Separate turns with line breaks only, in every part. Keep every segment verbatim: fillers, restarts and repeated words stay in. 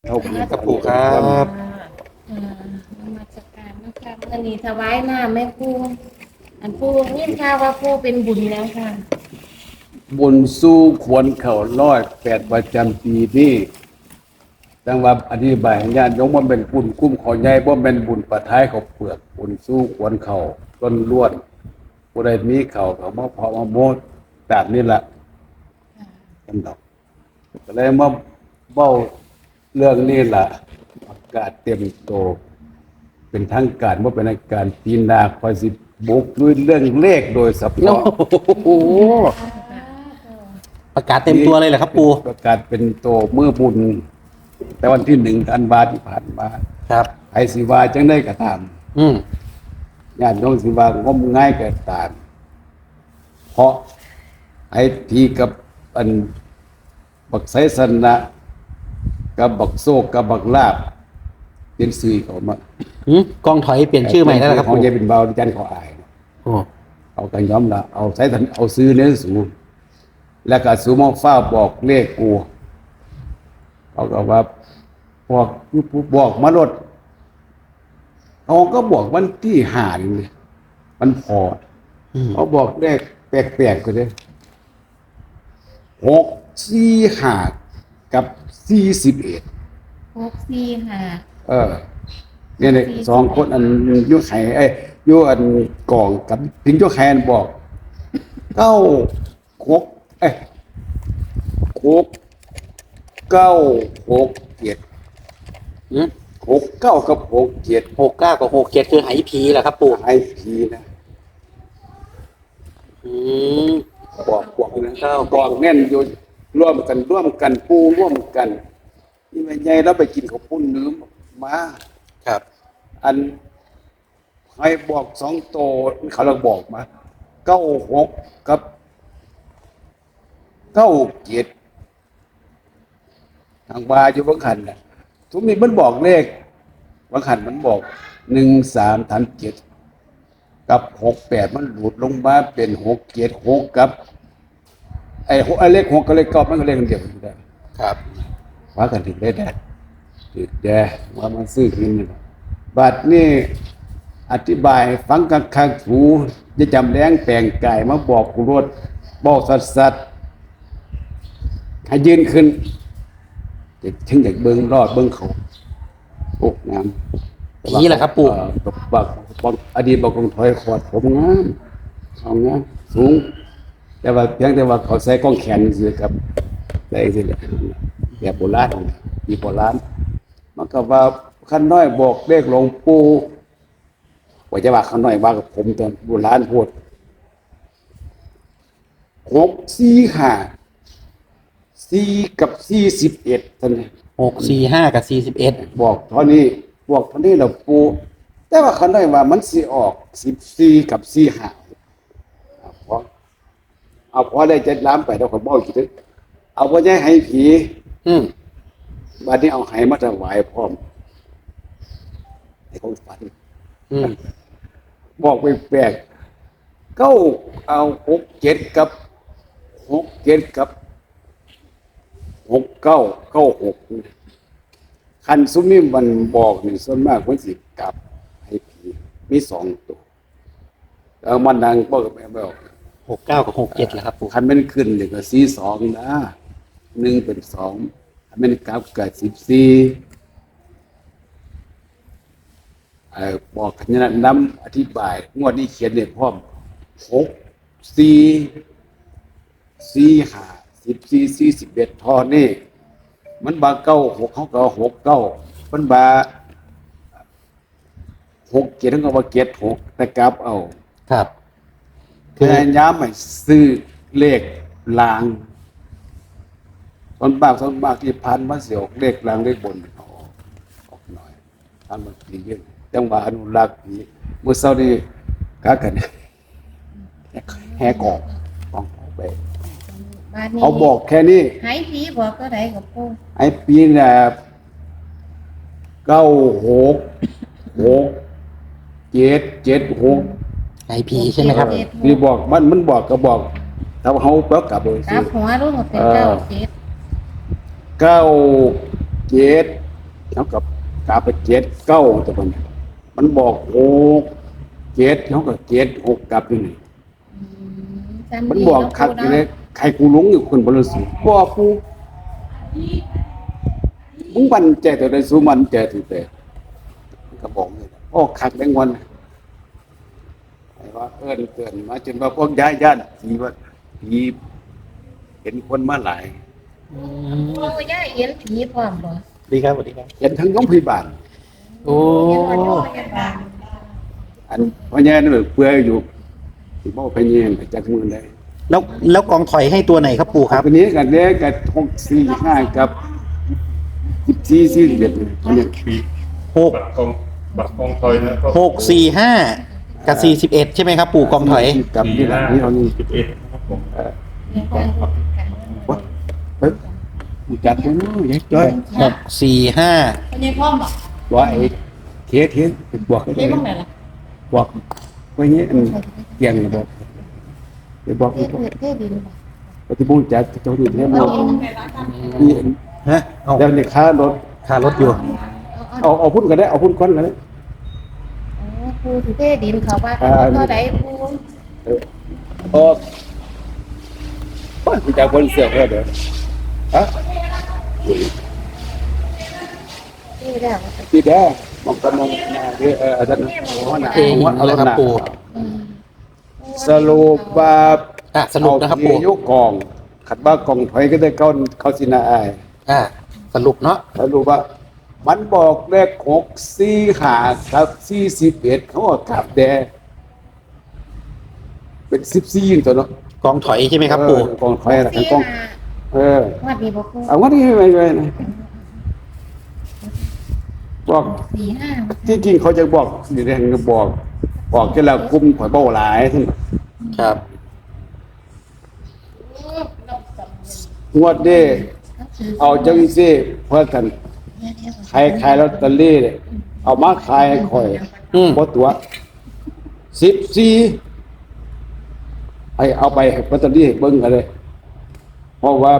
เอาไปเลย
ครับปู่ครับ
อ่านมัสการนะคะอันนี้ถวายน้ำแม่ครูอันครูนี่ค่ะว่าครูเป็นบุญแล้วค่ะ
บุญสู้ควรเข่าร้อยแปดประจำปีนี้จังว่าอธิบายให้ญาติโยมว่าเป็นบุญคุ้มขอใหญ่บ่เป็นบุญประท้ายเขาเปลือกบุญสู้ควรเข่าต้นล้วนผู้ใดมีเข่าเขามาพอมาโมดแบบนี้แหละกันดอกก็เลยมาเบ้าเรื่องนี้ล่ะประกาศเต็มโตเป็นทางการว่าเป็นทางการปีหนาคอยสิบุกด้วยเรื่องเลขโดยเฉ
โอ้
พาะ
โหประกาศเต็มตัวเลยเหรอครับปู่
ประกาศเป็นโตเมื่อบุญ แต่วันที่หนึ่งธันวาที่ผ่านมา
ครับ
ไอศิวาจังได้กระท
อืม
ำญาติโยมศิวางมง่ายกระตามเพราะไอทีกับอันบักไสสนะกับบักโซกกับบักลาบเป็นสื่อเขามา
หืมกองถอยเปลี่ยนชื่อใหม่แล้วเหรอครับ
ของ
ปู่
ยายเป็นเบาที่จันเขาอาย
โอ้
เอากันย้อมละเอาใช้ทันเอาซื้อเนื้อสูงแล้วก็สูมองฟ้าบอกเลขกูเขาก็ว่าบอกบอกมาลดเขาก็บอกวันที่หานี่เลยมันพอ
อืม
เขาบอกเลขแปลกๆก็เลยหกสี่ห้ากับสี่สิบเอ็ด
หกสี่ห้า
เออเนี่ยเนี่ยสองคนอันยุไข่ไอ้ยยุอันกล่องกับถึงยุไข่อันบอกเก้าหกเอ้ยหกเก้าหกเจ็ด
หืม
หกเก้ากับหกเจ็ด
หกเก้ากับหกเจ็ดคือไหผีเหรอครับปู่
ไอพีนะ
อืม
บอกบอกนะบอกแน่นอยู่ร่วมกันร่วมกันปูร่วมกันนี่ไม่ใหญ่แล้วไปกินข้าวปุ้นเนื้อมา
ครับ
อันให้บอกสองโตเขาเราบอกมาเก้าหกกับเก้าเจ็ดทางบาอยู่บางขันนะทุกนี้มันบอกเลขบางขันมันบอกหนึ่งสามฐานเจ็ดกับหกแปดมันหลุดลงมาเป็นหกเจ็ดหกกับ ไอ้หกไอ้เลขหกกับเลขเก้ามันก็เลขเดียวกันได้
ครับ
ว่ากันถึงได้แดดถึงแดดว่ามันซื้อกินนี่บัดนี้อธิบายให้ฟังกังคังถูจะจำแรงแปลงไก่มาบอกกูรวดบอกสัตว์สัตว์ให้ยืนขึ้นจะถึงอยากเบิ้งรอดเบิ้งเขาโอ้งาม
ผีเหรอครับปู่
เอ่อบอกบอกบอกอดีตบอกกองถอยขอดผมงามเอางามสูง แต่ว่าเพียงแต่ว่าเขาใส่กล้องแขนสิครับใส่สิแบบโบราณมีโบราณมันก็ว่าขั้นน้อยบอกเลขหลวงปู่ว่าจะว่าขั้นน้อยว่ากับผมตอนโบราณพูดหกสี่ห้าสี่กับสี่สิบเอ็ดท่านน
หกสี่ห้ากับสี่สิบเอ็ด
บอกเท่านี้บอกเท่านี้เราปูแต่ว่าขั้นน้อยว่ามันสิออกสิบสี่กับสี่ห้าเอาพอเอาพอได้จะล้ำไปเราก็บอกอีกทีเอาไว้ให้ให้ผี
อืม
บัดนี้เอาไหมาถวายพร้อมให้เขาฝัน
อืม
บอกไปแปลกเก้าเอาหกเจ็ดกับหกเจ็ดกับหกเก้าเก้าหกคันซุมนี่มันบอกนี่ส่วนมากมันสิกลับให้ผีมีสองตัวแล้วมันดังบอกกับแม่บอก
หกเก้ากับหกเจ็ดเหรอครับปู่
คันมันขึ้นเลยก็สี่สองนะหนึ่งเป็นสองคันมันกลับกับสิบสี่เอ่อบอกขนาดน้ำอธิบายงวดนี้เขียนเนี่ยพร้อมหกสี่สี่ห้าสิบสี่สี่สิบเอ็ดทอนี่มันบาเก้าหกเขาก็หกเก้ามันบาหกเจ็ดเขาก็ว่าเจ็ดหกแต่กลับเอา
ครับ
พยายามไม่ซื้อเลขลางตอนบากตอนบากที่พันมาเสียวเลขลางเลขบนออกออกหน่อยพันมันดีเยอะจังหวะอนุรักษ์นี้เมื่อเช้านี้กากันแหกออกต้องออกไป
บ้านนี้
เขาบอกแค่นี้
ให้ผีบอกก็ได้กับปู
ไอ้ปีน่ะเก้าหกหกเจ็ดเจ็ดหก
ไหผีใช่ไหมครับ
ที่บอกมันมันบอกก็บอกถ้าเขาแปลกลับเลย
กลับหัวรุ่นเป็นเก้าเจ็ด
เก้าเจ็ดเท่ากับกาไปเจ็ดเก้าแต่มันมันบอกหกเจ็ดเท่ากับเจ็ดหกกลับอยู่นี่
อืมจำ
มัน
ดี
บอก
เนาะ
คักอยู่เลย
ปูเนาะ
ใครกูหลงอยู่คนบริสุทธิ์บ่ปูมึงมันใจตัวใดสู้มันใจถือแต่ก็บอกเลยโอ้คักแบงวันไอ้ว่าเอิ้นเตือนมาจนว่าพวกย้ายญาติผีว่าผีเห็นคนมาหลาย
อืม
โอ้ย่าเห็นผีพร้อมบ่
ดีครับสวัสดีครับ
เห็นทั้งโรงพยาบาล
โอ้
เห็นว่าโรงพยาบาล
อันพ่อแย่นั่นเปื่อยอยู่สิบ่ไปเยี่ยมไปจักมือได้
แล้วแล้วกองถอยให้ตัวไหนครับปู่ครับ
วันนี้กันเนี้ยกับหกสี่ห้ากับสิบสี่สี่สิบเอ็ดเนี่ย
หก
บัตรกองบัตรกองถอยนะก็
หกสี่ห้ากับสี่สิบเอ็ดใช่ไหมครับปู่กองถอย
กับนี่แหละนี่เอานี่
สิบเอ็ดครับผม
เออ
เห็นว่าโรงพยาบาล
วะเฮ้ยมึงจัดไปเนาะยักจ้อย
หกสี่ห้า
เป็นยังพ่อมบอก
ว่าไอ้เคสเห็นบอกให้
เจ๊บ้างไหนล่ะ
บอกไว้เงี้ยอันเกี่ยงบอกไปบอก
เท
ไป
ศ
บอก
เทศดินบ่
ปฏิบูรณ์จัดเจ้าหนี้ให้หมด
ไหนล่ะคะ
นี่
ฮะเอา
แล้วในค่ารถ
ค่ารถอยู่
เอาเอา
เอาเอาพุ่นก็ได้เอาพุ่นก้อนก็ได้
เอาปูสิเทศดินเขาว่า
อ่า
เท่าใดปู
เออโอ้ป้าคุณจะคนเสือกเหรอเด้อฮะ
ที่แล้ว
ที่แดงมองกำมองหน้าเด้อเอออาจารย์หัวหน้า
เอง
หัวเอา
เลยครับ
หน้า
ปู่
อืม
สรุปว่า
อ่ะสรุปนะครับ
เอา
ปู่
ที่ยกกองขัดว่ากองถอยก็ได้เข้าเข้าสินาอาย
อ่ะสรุปเนาะ
สรุปว่า มันบอกเลขหกสี่ห้ากับสี่สิบเอ็ดเขาก็กลับแดงเป็นสิบสี่ตัวเนาะ
กองถอยใช่ไหมครับปู่
เออกองถอยอะไรกองเออ
วัดนี้บ่ปู
เอาว่าที่ไปไปนะบอก
สี่ห้า
ที่จริงเขาจะบอกสีแดงก็บอก บอกจะละกุมข่อยเบ้าหลายทั้ง
ครับ
งวดเด้เอาจังซี่เพื่อกันขายขายลอตเตอรี่เนี่ยเอามาขายให้ข่อย
อืม
บ่ตัวสิบสี่ไอเอาไปให้ลอตเตอรี่ให้เบิ่งกันเลย เพราะว่า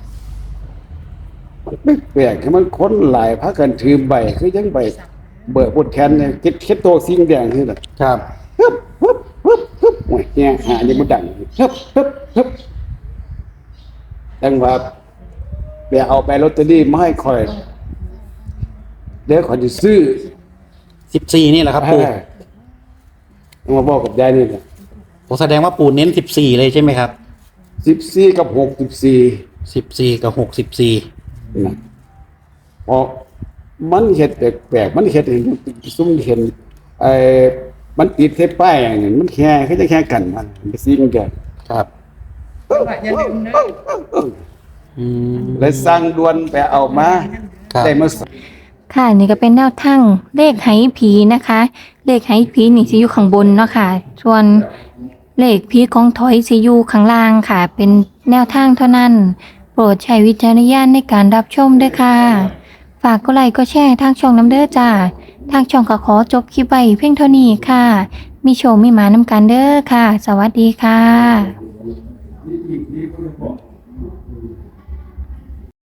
มันไม่แปลกให้มันคนหลายพากันถือใบคือยังใบเบิกบนแขนเนี่ยคิดคิดโตสิ่งแดงคือน่ะ
ครับ
ฮึบฮึบฮึบฮึบโอ้ยเนี่ยหานี่มันดังฮึบฮึบฮึบดังว่าไปเอาไปลอตเตอรี่มาให้ข่อยเดี๋ยวข่อยจะซื้อ
สิบสี่นี่แหละครับปู่
เอามาบอกกับยายนี่นะ
ผมแสดงว่าปู่เน้นสิบสี่เลยใช่ไหมครับ
สิบสี่กับหกสิบสี่
สิบสี่กับหกสิบสี่
นะเพราะมันเห็ดแปลกๆมันเห็ดเห็นซุ่มเห็นไอ้มันติดเทปป้ายอย่างนี้มันแค่แค่จะแค่กันมันมันไปซีกันแก
ครับ
อย่าลืมนะ
อืม
เลยสร้างดวนไปเอามา
ครับ
ได้มา
ค่ะนี่ก็เป็นแนวทางเลขไหผีนะคะ เลขไหผีนี่สิอยู่ข้างบนเนาะค่ะ ส่วนเลขผีกองถอยสิอยู่ข้างล่างค่ะ เป็นแนวทางเท่านั้น โปรดใช้วิจารณญาณในการรับชมด้วยค่ะ ฝากกดไลค์ก็แชร์ทางช่องน้ำเด้อจ้าทางช่องก็ขอจบคลิปไว้เพียงเท่านี้ค่ะ มีโชว์มีหมานำกันเด้อค่ะ สวัสดีค่ะ